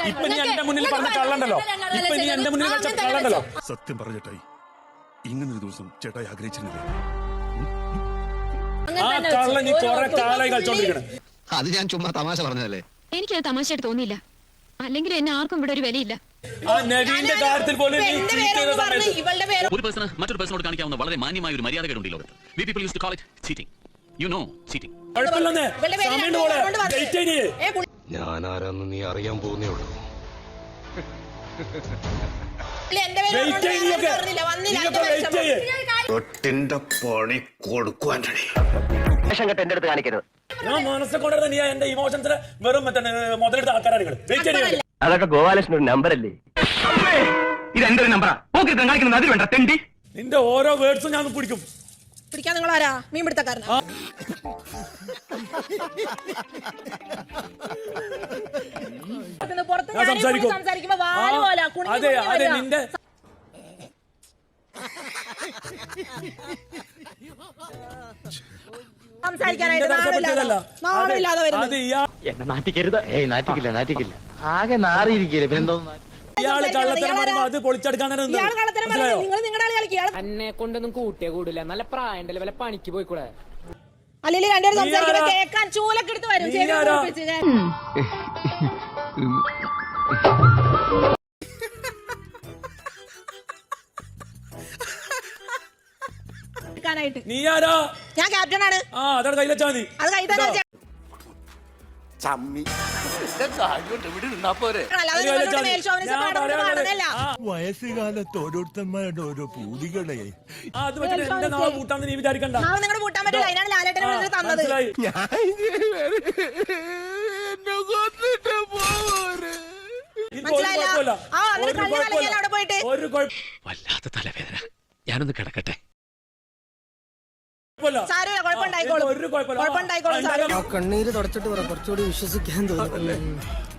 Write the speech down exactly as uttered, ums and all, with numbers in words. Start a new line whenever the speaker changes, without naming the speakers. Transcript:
ഇപ്പൊ നീ എന്റെ മുന്നിൽ പറഞ്ഞ കള്ളണ്ടല്ലോ ഇപ്പൊ നീ എന്റെ മുന്നിൽ വെച്ച കള്ളണ്ടല്ലോ.
സത്യം പറഞ്ഞിട്ടായി ഇങ്ങനൊരു ദിവസം ചേട്ടായി ആഗ്രഹിച്ചിരുന്നില്ല.
ആ കള്ള നീ കുറെ കാലായി കളിച്ചോണ്ടിരിക്കണേ.
അത് ഞാൻ ചുമ്മാ തമാശ പറഞ്ഞതല്ലേ.
എനിക്കത് തമാശയായിട്ട് തോന്നിയില്ല. അല്ലെങ്കിൽ എന്നെ ആർക്കും ഇവിടെ ഒരു വിലയില്ല.
ആ നവീന്റെ കാര്യത്തിൽ പോലും നീ ചീറ്റ് ചെയ്ത സമയത്ത്
ഒരു പേഴ്സണ് മറ്റൊരു പേഴ്സണോട് കാണിക്കാവുന്ന വളരെ മാന്യമായ ഒരു മര്യാദകളുണ്ട് ഈ ലോകത്ത്. We people used to call it cheating. You know cheating.
കുഴപ്പമില്ലെന്നേ സമയം പോലെ വെയിറ്റ് ചെയ്യേ.
ഞാൻ ആരാന്ന് നീ അറിയാൻ പോകുന്നേ ഉള്ളൂ.
ഒട്ടിന്റെ പണി കൊടുക്കുവാൻ എന്റെ അടുത്ത് കാണിക്കരുത്.
ഞാൻ മനസ്സിൽ കൊണ്ടുവരുന്ന നീ എന്റെ ഇമോഷൻസിന് വെറും മറ്റേ മുതലെടുത്ത ആൾക്കാരാണ് നിങ്ങൾ. വെയിറ്റ് ചെയ്യേ.
അതൊക്കെ ഗോപാലകൃഷ്ണൻ ഒരു നമ്പർ അല്ലേ? ഇത് എന്റെ ഒരു നമ്പറാ. കാണിക്കുന്നത് അതിൽ വേണ്ട തെണ്ടി.
നിന്റെ ഓരോ വേർഡ്സും ഞാൻ പിടിക്കും.
പിടിക്കാൻ നിങ്ങൾ ആരാ? മീൻ പിടുത്തക്കാരനാ?
ഞാൻ സംസാരിക്കും. അതെ അതെ നിന്റെ
എന്നെ നാട്ടിക്കരുത്. ഏയ് നാട്ടിക്കില്ല നാട്ടിക്കില്ല. ആകെ നാറിയിരിക്കില്ല.
ഇയാള് കള്ളത്തരം പറയുമ്പോ അത് പൊളിച്ചെടുക്കാൻ തന്നെ
എന്നെ കൊണ്ടൊന്നും കൂട്ടിയേ കൂടില്ല. നല്ല പ്രായണ്ടല്ലേ, വല്ല പണിക്ക് പോയിക്കൂടെ?
അല്ലെങ്കിൽ രണ്ടുപേരും സംസാരിക്കുമ്പോ കേൾക്കാൻ ചൂലൊക്കെ എടുത്ത് വരും.
നീ ആരാ?
ഞാൻ ക്യാപ്റ്റൻ ആണ്.
ആ അതാണ് കയ്യിൽ വെച്ചാ മതി.
അത് കൈ തന്നെ
വയസ്സുകാലത്ത് ഓരോരുത്തന്മാരുടെ ഓരോ പൂതികളെ
അത് വെച്ചിട്ട് എന്റെ നാളെ കൂട്ടാന്ന് നീ വിചാരിക്കണ്ട.
നിങ്ങളുടെ കൂട്ടാൻ പറ്റില്ല. അതിനാണ് ലാലേട്ടനെ തന്നത്.
വല്ലാത്ത തലവേദന. ഞാനൊന്ന് കിടക്കട്ടെ.
കണ്ണീര് തുടച്ചിട്ട് പറ, കുറച്ചുകൂടി വിശ്വസിക്കാൻ തോന്നുന്നു.